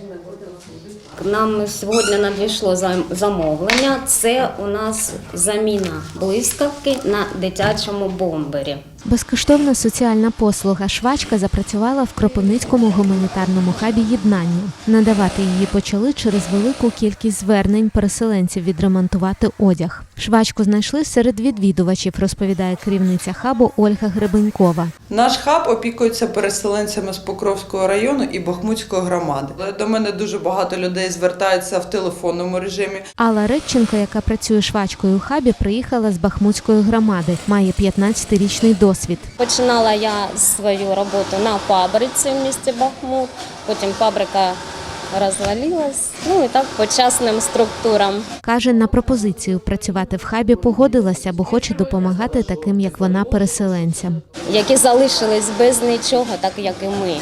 Нам сьогодні надійшло замовлення. Це у нас заміна блискавки на дитячому бомбері. Безкоштовна соціальна послуга «Швачка» запрацювала в Кропивницькому гуманітарному хабі «Єднання». Надавати її почали через велику кількість звернень переселенців відремонтувати одяг. Швачку знайшли серед відвідувачів, розповідає керівниця хабу Ольга Гребенькова. Наш хаб опікується переселенцями з Покровського району і Бахмутської громади. До мене дуже багато людей звертаються в телефонному режимі. Алла Редченко, яка працює швачкою у хабі, приїхала з Бахмутської громади, має 15-річний досвід. Починала я свою роботу на фабриці в місті Бахмут, потім фабрика розвалилась, і так по частним структурам. Каже, на пропозицію працювати в хабі погодилася, бо хоче допомагати таким, як вона, переселенцям. Які залишились без нічого, так як і ми.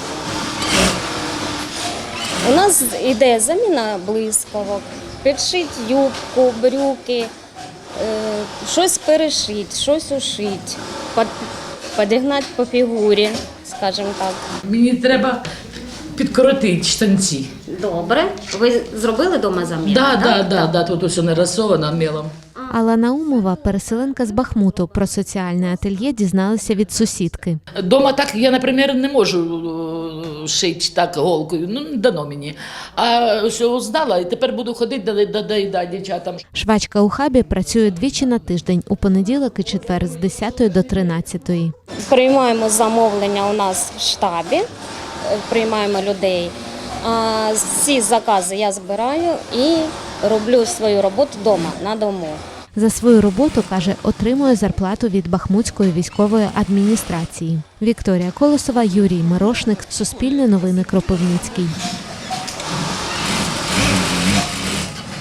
У нас іде заміна блискавок, підшить юбку, брюки, щось перешить, щось ушить, підігнати по фігурі, скажімо так. Мені треба підкоротити штанці. Добре. Ви зробили вдома заміну? Так, тут усе нарисовано мелом. Алла Наумова, переселенка з Бахмуту, про соціальне ательє дізналася від сусідки. Дома так я, наприклад, не можу шити так голкою, не дано мені. А що знала, і тепер буду ходити до дівчатам. Швачка у хабі працює двічі на тиждень, у понеділок і четвер з 10 до 13. Приймаємо замовлення у нас в штабі, приймаємо людей. Всі закази я збираю і роблю свою роботу вдома, на дому. За свою роботу, каже, отримує зарплату від Бахмутської військової адміністрації. Вікторія Колосова, Юрій Мирошник, Суспільне новини, Кропивницький.